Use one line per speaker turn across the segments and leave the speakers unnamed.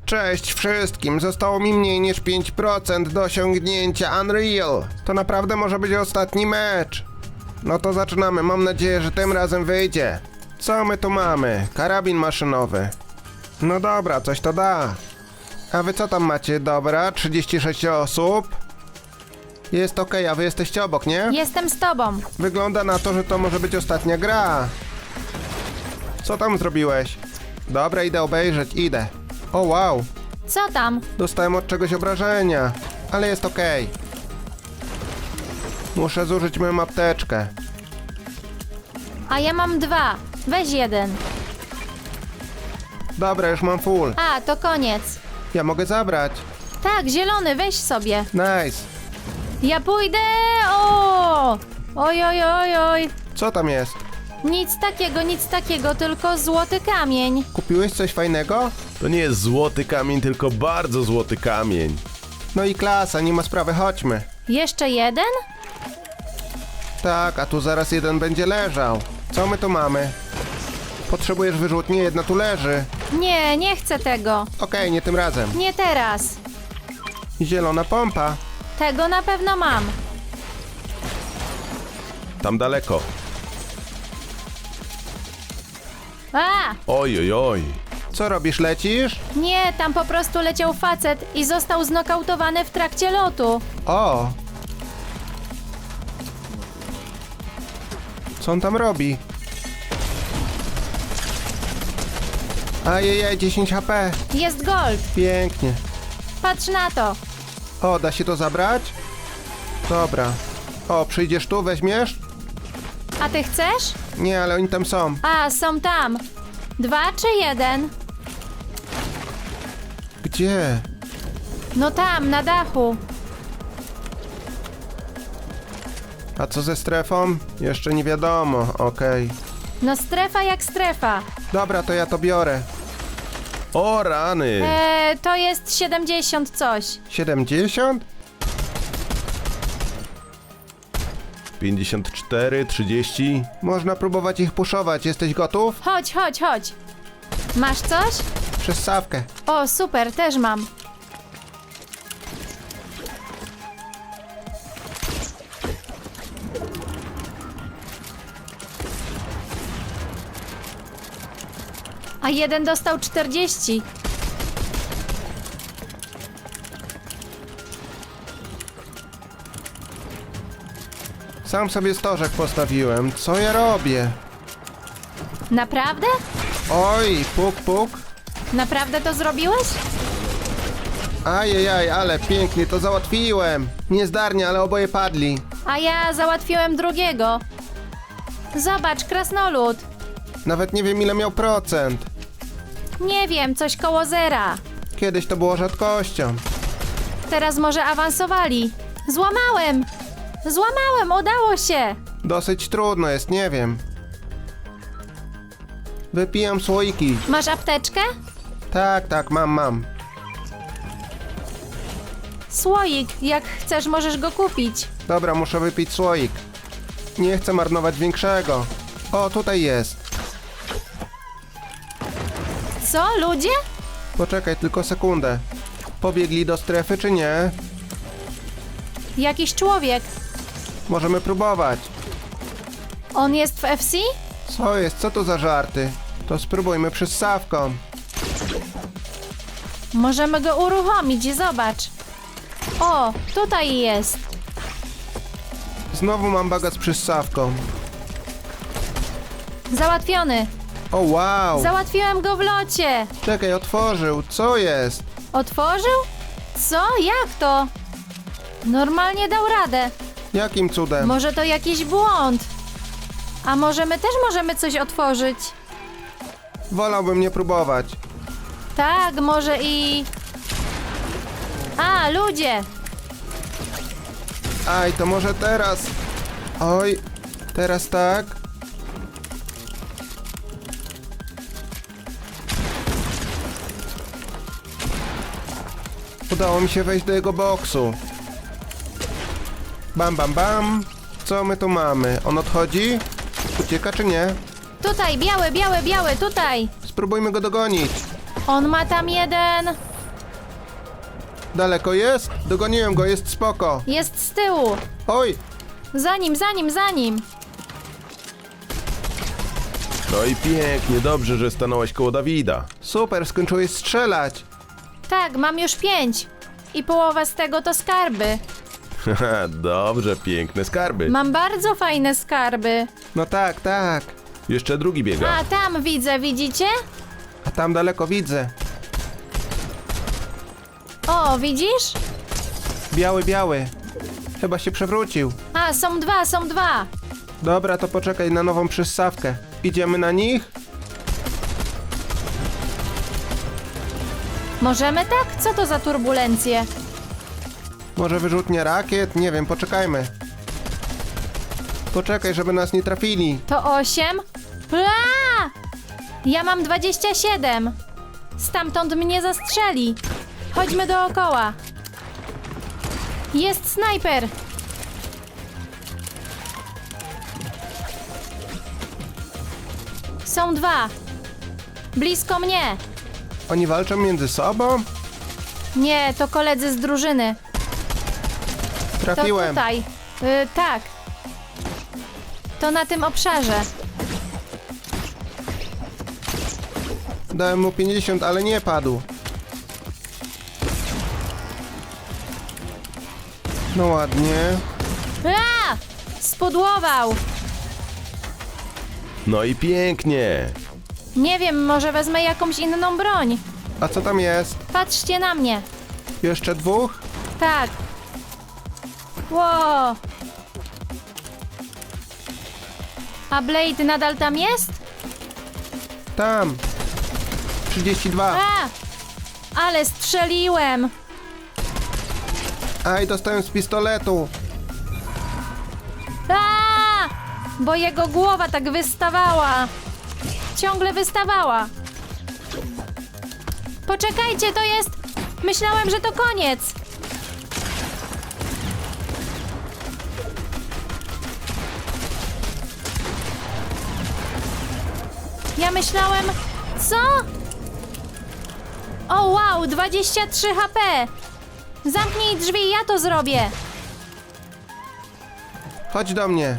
Cześć wszystkim, zostało mi mniej niż 5% do osiągnięcia Unreal. To naprawdę może być ostatni mecz. No to zaczynamy, mam nadzieję, że tym razem wyjdzie. Co my tu mamy? Karabin maszynowy. No dobra, coś to da. A wy co tam macie? Dobra, 36 osób. Jest okej, a wy jesteście obok, nie?
Jestem z tobą.
Wygląda na to, że to może być ostatnia gra. Co tam zrobiłeś? Dobra, idę obejrzeć, idę. O wow,
Co tam?
dostałem od czegoś obrażenia, ale jest okej. Muszę zużyć moją apteczkę.
A ja mam 2. Weź jeden.
Dobra, już mam full.
A, to koniec.
Ja mogę zabrać.
Tak, zielony, weź sobie.
Nice.
Ja pójdę. O! Oj, oj, oj, oj.
Co tam jest?
Nic takiego, tylko złoty kamień.
Kupiłeś coś fajnego?
To nie jest złoty kamień, tylko bardzo złoty kamień.
No i klasa, nie ma sprawy, chodźmy.
Jeszcze jeden?
Tak, a tu zaraz jeden będzie leżał. Co my tu mamy? Potrzebujesz wyrzutni? Jedna tu leży.
Nie, nie chcę tego.
Okej, nie tym razem.
Nie teraz.
Zielona pompa.
Tego na pewno mam.
Tam daleko.
A!
Oj, oj, oj.
Co robisz, lecisz?
Nie, tam po prostu leciał facet i został znokautowany w trakcie lotu.
O! Co on tam robi? Ajajaj, 10 HP.
Jest gold.
Pięknie.
Patrz na to.
O, da się to zabrać? Dobra. O, przyjdziesz tu, weźmiesz?
A ty chcesz?
Nie, ale oni tam są.
A, są tam. 2 czy 1?
Gdzie?
No tam, na dachu.
A co ze strefą? Jeszcze nie wiadomo, okej.
No strefa jak strefa.
Dobra, to ja to biorę.
O rany.
To jest 70 coś.
70?
54, 30.
Można próbować ich puszować. Jesteś gotów?
Chodź, chodź, chodź. Masz coś?
Przez sawkę.
O, super, też mam. A jeden dostał 40.
Sam sobie stożek postawiłem. Co ja robię?
Naprawdę?
Oj, puk, puk.
Naprawdę to zrobiłeś?
Ajajaj, ale pięknie to załatwiłem. Niezdarnie, ale oboje padli.
A ja załatwiłem drugiego. Zobacz, krasnolud.
Nawet nie wiem, ile miał procent.
Nie wiem, coś koło zera.
Kiedyś to było rzadkością.
Teraz może awansowali. Złamałem! Złamałem, udało się!
Dosyć trudno jest, nie wiem. Wypijam słoiki.
Masz apteczkę?
Tak, tak, mam.
Słoik, jak chcesz, możesz go kupić.
Dobra, muszę wypić słoik. Nie chcę marnować większego. O, tutaj jest.
Co, ludzie?
Poczekaj tylko sekundę. Pobiegli do strefy, czy nie?
Jakiś człowiek.
Możemy próbować.
On jest w FC?
Co jest? Co to za żarty? To spróbujmy przez sawką.
Możemy go uruchomić, zobacz. O, tutaj jest.
Znowu mam baga z przyssawką.
Załatwiony.
O wow!
Załatwiłem go w locie.
Czekaj, otworzył. Co jest?
Otworzył? Co? Jak to? Normalnie dał radę.
Jakim cudem?
Może to jakiś błąd. A może my też możemy coś otworzyć?
Wolałbym nie próbować.
Tak, może i... A, ludzie!
Aj, to może teraz. Oj, teraz tak. Udało mi się wejść do jego boksu. Bam, bam, bam. Co my tu mamy? On odchodzi? Ucieka czy nie?
Tutaj, biały, biały, biały, tutaj!
Spróbujmy go dogonić.
On ma tam jeden...
Daleko jest? Dogoniłem go, jest spoko.
Jest z tyłu.
Oj,
Za nim.
No i pięknie, dobrze, że stanąłeś koło Dawida.
super, skończyłeś strzelać.
Tak, mam już 5. I połowa z tego to skarby.
Haha, dobrze, piękne skarby.
Mam bardzo fajne skarby.
No tak, tak.
Jeszcze drugi biega.
A tam widzę, widzicie?
A tam daleko widzę.
O, widzisz?
Biały, biały. Chyba się przewrócił.
A, są dwa.
Dobra, to poczekaj na nową przyssawkę. Idziemy na nich?
Możemy tak? Co to za turbulencje?
Może wyrzutnia rakiet? Nie wiem, poczekajmy. Poczekaj, żeby nas nie trafili.
To 8? Aaa! Ja mam 27. Stamtąd mnie zastrzeli. Chodźmy dookoła. Jest snajper. Są 2. Blisko mnie.
Oni walczą między sobą?
Nie, to koledzy z drużyny. To
Trafiłem.
tutaj. Tak. To na tym obszarze.
Dałem mu 50, ale nie padł. No ładnie.
A! Spudłował.
No i pięknie.
Nie wiem, może wezmę jakąś inną broń.
A co tam jest?
Patrzcie na mnie.
Jeszcze dwóch?
Tak. Ło. A Blade nadal tam jest?
Tam. 32.
A! Ale strzeliłem.
Aj, dostałem z pistoletu.
A! Bo jego głowa tak wystawała. Ciągle wystawała. Poczekajcie, to jest... Myślałem, że to koniec. Ja myślałem... Co? O wow, 23 HP. Zamknij drzwi, ja to zrobię.
Chodź do mnie.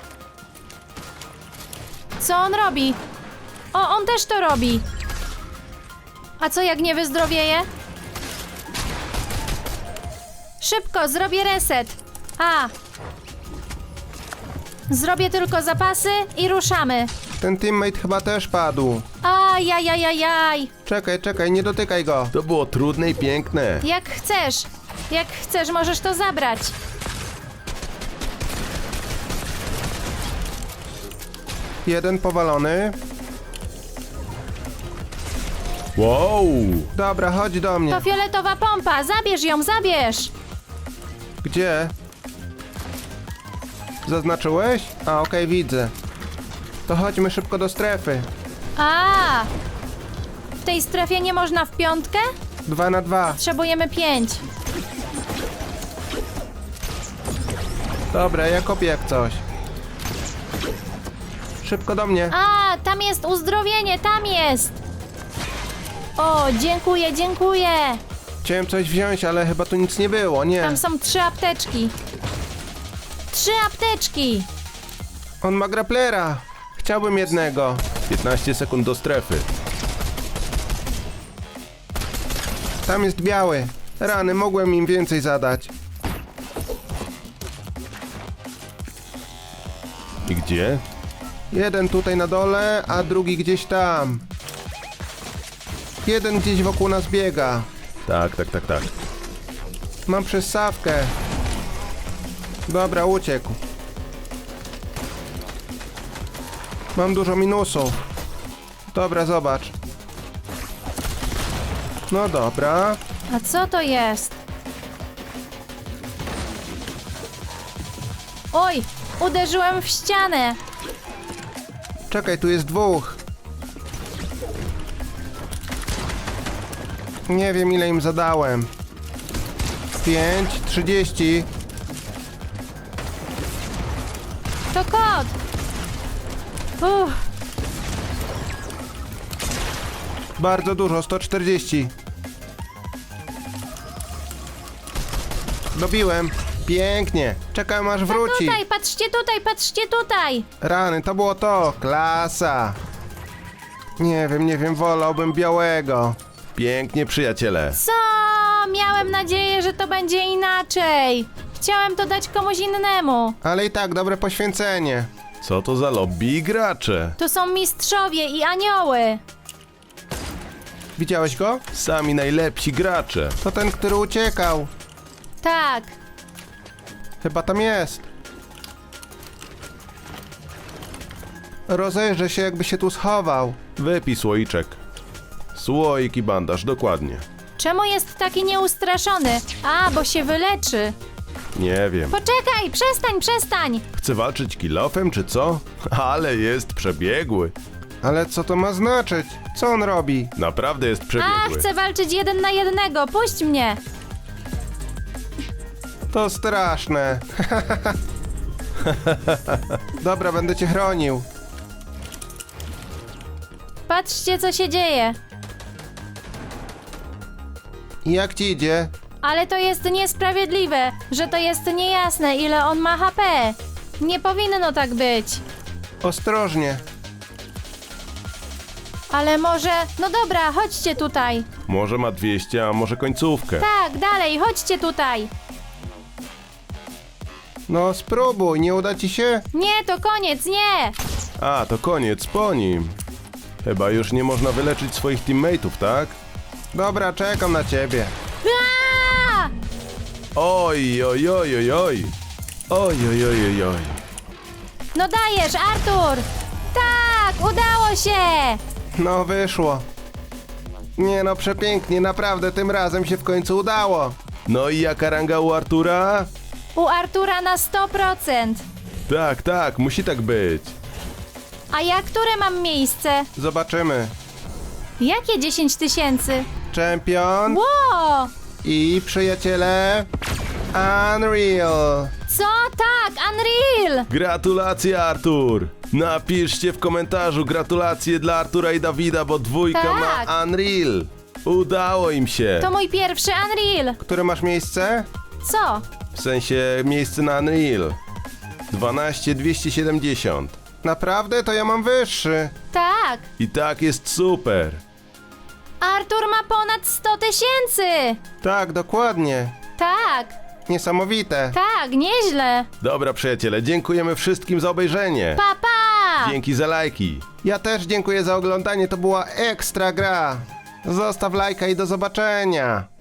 Co on robi? O, on też to robi. A co jak nie wyzdrowieje? Szybko, zrobię reset. A. Zrobię tylko zapasy i ruszamy.
Ten teammate chyba też padł.
Ajajajajaj.
Czekaj, czekaj, nie dotykaj go.
To było trudne i piękne.
Jak chcesz. Jak chcesz, możesz to zabrać.
Jeden powalony.
Wow!
Dobra, chodź do mnie.
To fioletowa pompa, zabierz ją, zabierz.
Gdzie? Zaznaczyłeś? A, okej, widzę. To chodźmy szybko do strefy.
A. W tej strefie nie można w piątkę?
2 na 2.
Potrzebujemy 5.
Dobra, ja kopię jak coś. Szybko do mnie.
A, tam jest uzdrowienie, tam jest. O, dziękuję, dziękuję.
Chciałem coś wziąć, ale chyba tu nic nie było, nie.
Tam są 3 apteczki. 3 apteczki.
On ma grapplera. Chciałbym jednego.
15 sekund do strefy.
Tam jest biały. Rany, mogłem im więcej zadać.
I gdzie?
Jeden tutaj na dole, a drugi gdzieś tam. Jeden gdzieś wokół nas biega.
Tak.
Mam przyssawkę. Dobra, uciekł. Mam dużo minusów. Dobra, zobacz. No dobra.
A co to jest? Oj, uderzyłem w ścianę.
Czekaj, tu jest dwóch. Nie wiem, ile im zadałem. 5, 30.
To kot.
Bardzo dużo, 140. Dobiłem. Pięknie. Czekam aż wróci.
Tutaj, patrzcie tutaj, patrzcie tutaj.
Rany, to było to. Klasa. Nie wiem, wolałbym białego.
Pięknie, przyjaciele.
Co? Miałem nadzieję, że to będzie inaczej. Chciałem to dać komuś innemu.
Ale i tak, dobre poświęcenie.
Co to za lobby i gracze?
To są mistrzowie i anioły.
Widziałeś go?
Sami najlepsi gracze.
To ten, który uciekał.
Tak.
Chyba tam jest. Rozejrzę się, jakby się tu schował.
Wypij słoiczek. Słoik i bandaż, dokładnie.
Czemu jest taki nieustraszony? A, bo się wyleczy.
Nie wiem.
Poczekaj, przestań.
Chce walczyć kilofem, czy co? Ale jest przebiegły.
Ale co to ma znaczyć? Co on robi?
Naprawdę jest
A,
przebiegły.
chcę walczyć 1 na 1. Puść mnie.
To straszne. Dobra, będę cię chronił.
Patrzcie, co się dzieje.
I jak ci idzie?
Ale to jest niesprawiedliwe, że to jest niejasne, ile on ma HP. Nie powinno tak być.
Ostrożnie.
Ale może... No dobra, chodźcie tutaj.
Może ma 200, a może końcówkę.
Tak, dalej, chodźcie tutaj.
No spróbuj, nie uda ci się?
Nie, to koniec, nie.
A, to koniec, po nim. Chyba już nie można wyleczyć swoich teammateów, tak?
Dobra, czekam na ciebie.
Aaa!
Oj, oj, oj, oj, oj. Oj, oj, oj, oj, oj.
No dajesz, Artur. Tak, udało się.
No wyszło. Nie no, przepięknie, naprawdę tym razem się w końcu udało.
No i jaka ranga u Artura?
U Artura na 100%.
Tak, tak, musi tak być.
A ja które mam miejsce?
Zobaczymy.
Jakie 10 000?
Czempion
Ło!
i przyjaciele Unreal.
Co? Tak, Unreal!
Gratulacje, Artur! Napiszcie w komentarzu gratulacje dla Artura i Dawida, bo dwójka
Tak.
ma Unreal. Udało im się.
To mój pierwszy Unreal.
Które masz miejsce?
Co?
W sensie miejsce na Unreal. 12270.
Naprawdę? To ja mam wyższy.
Tak.
I tak jest super.
Artur ma ponad 100 000.
Tak, dokładnie.
Tak,
Niesamowite.
tak, nieźle.
Dobra, przyjaciele, dziękujemy wszystkim za obejrzenie.
Pa, pa!
Dzięki za lajki.
Ja też dziękuję za oglądanie, to była ekstra gra. Zostaw lajka i do zobaczenia.